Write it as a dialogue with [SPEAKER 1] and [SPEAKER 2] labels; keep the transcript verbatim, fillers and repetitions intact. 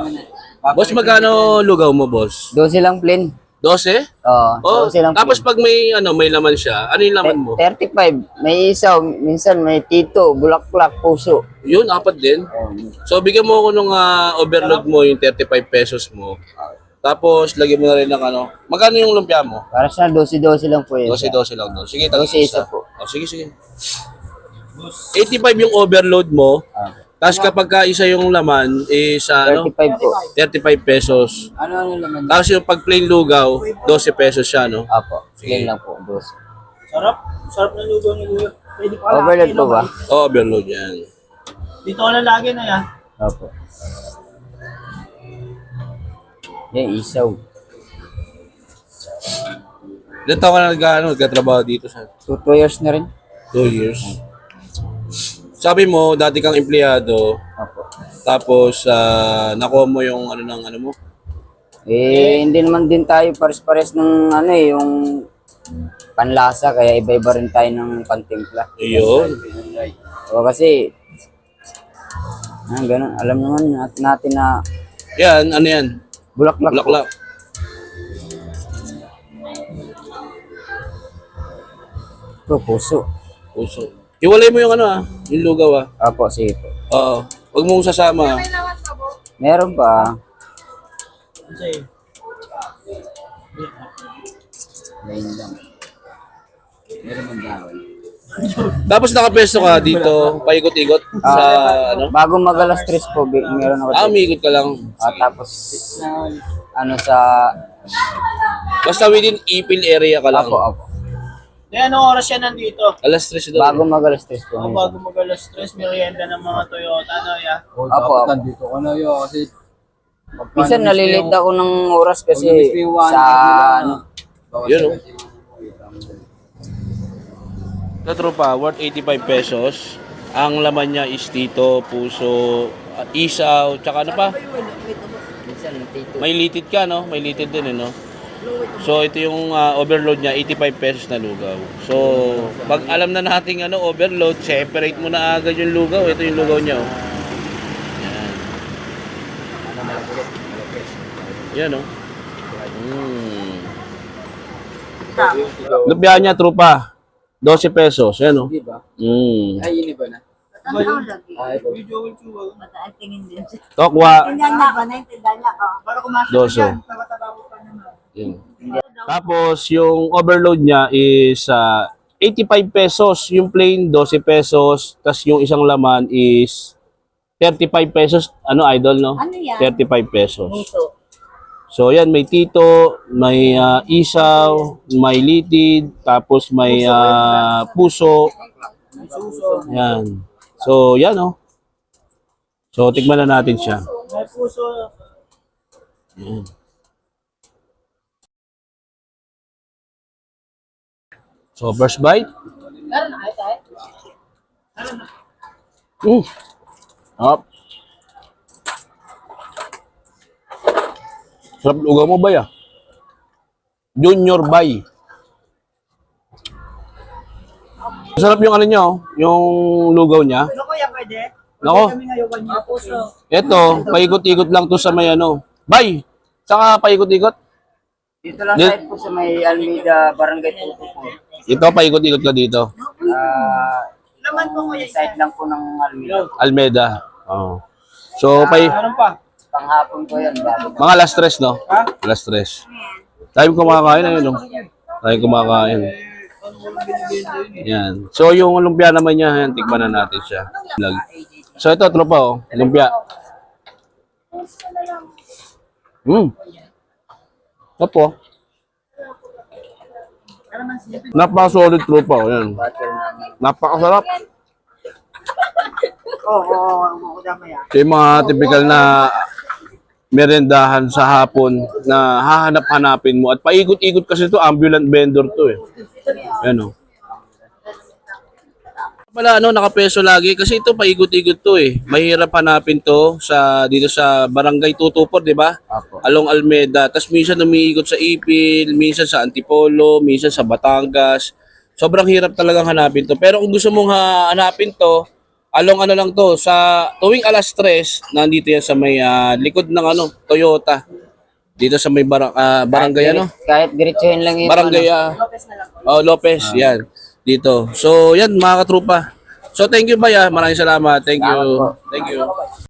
[SPEAKER 1] Boss, magkano lugaw mo, boss?
[SPEAKER 2] Dose lang plain.
[SPEAKER 1] dose?
[SPEAKER 2] Oo,
[SPEAKER 1] Oh,
[SPEAKER 2] dose lang
[SPEAKER 1] tapos
[SPEAKER 2] plain.
[SPEAKER 1] pag may ano, may laman siya, ano yung laman mo?
[SPEAKER 2] thirty-five. May isaw, minsan may tito, bulaklak, puso.
[SPEAKER 1] Yun, apat din. So, bigyan mo ako nung ah, overload mo, yung thirty-five pesos mo. Tapos, lagyan mo na rin ng ano. Magkano yung lumpia mo?
[SPEAKER 2] Para sa dose-dose lang po yun. siya.
[SPEAKER 1] dose-dose lang doon. Sige, tagi
[SPEAKER 2] Dose
[SPEAKER 1] isa.
[SPEAKER 2] isa po.
[SPEAKER 1] Oh, sige, sige. eighty-five yung overload mo.
[SPEAKER 2] Ah,
[SPEAKER 1] Tapos kapag ka isa yung laman, is ano,
[SPEAKER 2] thirty-five po.
[SPEAKER 1] thirty-five pesos.
[SPEAKER 2] Ano ano naman?
[SPEAKER 1] Tapos yung pag plain lugaw, twelve pesos siya, no?
[SPEAKER 2] Apo,
[SPEAKER 1] Sige.
[SPEAKER 2] yan lang po, dose.
[SPEAKER 3] Sarap. Sarap ng lugaw ni Kuya. Pwede pa
[SPEAKER 2] Overload po ba?
[SPEAKER 1] Oh, overload yan.
[SPEAKER 3] Dito ka lang lagi na yan.
[SPEAKER 2] Apo. Yan, isaw.
[SPEAKER 1] Ilan taon ka na nag, ano, nagkatrabaho dito sa
[SPEAKER 2] Two, two years na rin.
[SPEAKER 1] two years? Sabi mo, dati kang empleyado,
[SPEAKER 2] Apo.
[SPEAKER 1] tapos ah, nakuha mo yung ano ng ano mo?
[SPEAKER 2] Eh, hindi naman din tayo pares-pares ng ano eh, yung panlasa, kaya iba-iba rin tayo ng pantimpla.
[SPEAKER 1] Ayun.
[SPEAKER 2] O kasi, ah, ganun, alam naman nat- natin na
[SPEAKER 1] Yan, ano yan?
[SPEAKER 2] bulaklak. po.
[SPEAKER 1] Bulaklak.
[SPEAKER 2] Ito, puso.
[SPEAKER 1] Puso. Iwalay mo yung ano ah, yung lugaw ah.
[SPEAKER 2] Apo, sige po.
[SPEAKER 1] Oo. Huwag mong sasama.
[SPEAKER 2] Meron pa.
[SPEAKER 3] Kasi,
[SPEAKER 2] Lain lang. Meron man dahon.
[SPEAKER 1] Tapos nakapesto ka dito, paikot-ikot sa ano?
[SPEAKER 2] Bago mag alas tres po, bi- meron ako.
[SPEAKER 1] Ah,
[SPEAKER 2] dito.
[SPEAKER 1] umiikot ka lang.
[SPEAKER 2] Ah, tapos, ano sa,
[SPEAKER 1] Basta within Ipil area ka lang.
[SPEAKER 2] apo, apo.
[SPEAKER 3] eh, anong oras yan nandito?
[SPEAKER 1] Alas tres daw.
[SPEAKER 2] Bago mag alas tres po.
[SPEAKER 3] Ako
[SPEAKER 2] minsan.
[SPEAKER 3] bago mag-alas stress, merienda ng mga Toyota, no, ya?
[SPEAKER 4] Oh,
[SPEAKER 2] Apo,
[SPEAKER 4] dapat
[SPEAKER 2] apo.
[SPEAKER 4] nandito ka na yun kasi
[SPEAKER 2] Minsan nalilate ako ng oras kasi
[SPEAKER 4] Pag na-miss mo yung one
[SPEAKER 2] sa,
[SPEAKER 4] hour nila,
[SPEAKER 2] ano,
[SPEAKER 1] Yun oh. Sa tropa, worth eighty-five pesos. Ang laman niya is tito, puso, uh, isaw, tsaka ano pa?
[SPEAKER 2] minsan tito.
[SPEAKER 1] May litid ka, no? May litid din, eh, no? So, ito yung uh, overload niya, eighty-five pesos na lugaw. So, pag alam na natin ano, overload, separate mo na agad yung lugaw. Ito yung lugaw niya, oh. Yan. Yan, oh. Mm. Lumpia niya, tropa. twelve pesos. Yan, oh.
[SPEAKER 4] Di ba?
[SPEAKER 1] Mm.
[SPEAKER 4] Ay, yun iba na. Ay, ito.
[SPEAKER 1] Tokwa,
[SPEAKER 5] Tindahan ko, naintindihan niya ko.
[SPEAKER 3] Para kumasok
[SPEAKER 1] doso.
[SPEAKER 3] yan, nakatatapo ka naman.
[SPEAKER 1] Yan. Tapos, yung overload niya is ah, eighty-five pesos. Yung plain, twelve pesos. Tapos, yung isang laman is thirty-five pesos. Ano, idol, no?
[SPEAKER 5] Ano yan?
[SPEAKER 1] thirty-five pesos.
[SPEAKER 5] Puso.
[SPEAKER 1] So, yan, may tito, may ah, isaw, may litid, tapos may ah, puso. Yan. So, yan, oh. So, tikman na natin siya.
[SPEAKER 3] May puso.
[SPEAKER 1] Yan. So, first bite. Mm. Up. Sarap lugaw mo ba ya? Junior Bay. Sarap yung ano niya, oh, yung lugaw niya.
[SPEAKER 3] Ano kuya, pwede?
[SPEAKER 1] Nako,
[SPEAKER 3] Kami ngayon kanya. Puso.
[SPEAKER 1] eto, paikot-ikot lang to sa may ano. Bay, saka paikot-ikot.
[SPEAKER 2] Dito lang
[SPEAKER 1] Di-
[SPEAKER 2] side po sa may Almeida, Barangay Tuto po.
[SPEAKER 1] Ito, paikot-ikot ka dito.
[SPEAKER 2] Ah,
[SPEAKER 3] Laman po kuya.
[SPEAKER 2] side lang po ng Almeida.
[SPEAKER 1] Almeda. Oh. So, pay,
[SPEAKER 3] Meron pa.
[SPEAKER 2] Panghapon po yan, bago.
[SPEAKER 1] mga alas tres, no?
[SPEAKER 3] Ha?
[SPEAKER 1] Alas tres. Time kumakain, ayun, no? Time kumakain. Yan. So, yung lumpia naman niya, yan, tikman na natin siya. Vlog. So, ito, tropa, oh. Lumpia. Hmm. Opo. Napaka-solid tropa, oh. Yan. Napakasarap.
[SPEAKER 3] Oo, oo, oo, damay ah.
[SPEAKER 1] Ito yung mga typical na merendahan sa hapon na hahanap-hanapin mo. At paikot-ikot kasi ito, ambulant vendor to eh. Yan o. Pala ano, nakapeso lagi kasi ito paikot-ikot to eh. Mahirap hanapin to sa dito sa Barangay Tutupor, di ba?
[SPEAKER 2] Apo.
[SPEAKER 1] Along Almeda. Tapos minsan umiikot sa Ipil, minsan sa Antipolo, minsan sa Batangas. Sobrang hirap talagang hanapin to. Pero kung gusto mong ha- hanapin to, Along ano lang to, sa tuwing alas tres, nandito yan sa may ah, likod ng ano, Toyota. Dito sa may barang, ah, barangay ano?
[SPEAKER 2] Kahit diretsuhin lang yung
[SPEAKER 1] Barangay
[SPEAKER 2] ano.
[SPEAKER 1] ah, oh, Lopez, yan. Dito. So, yan mga katrupa. So, thank you, Bay. ah. Maraming salamat. Thank you.
[SPEAKER 2] Salamat po.
[SPEAKER 1] Thank you.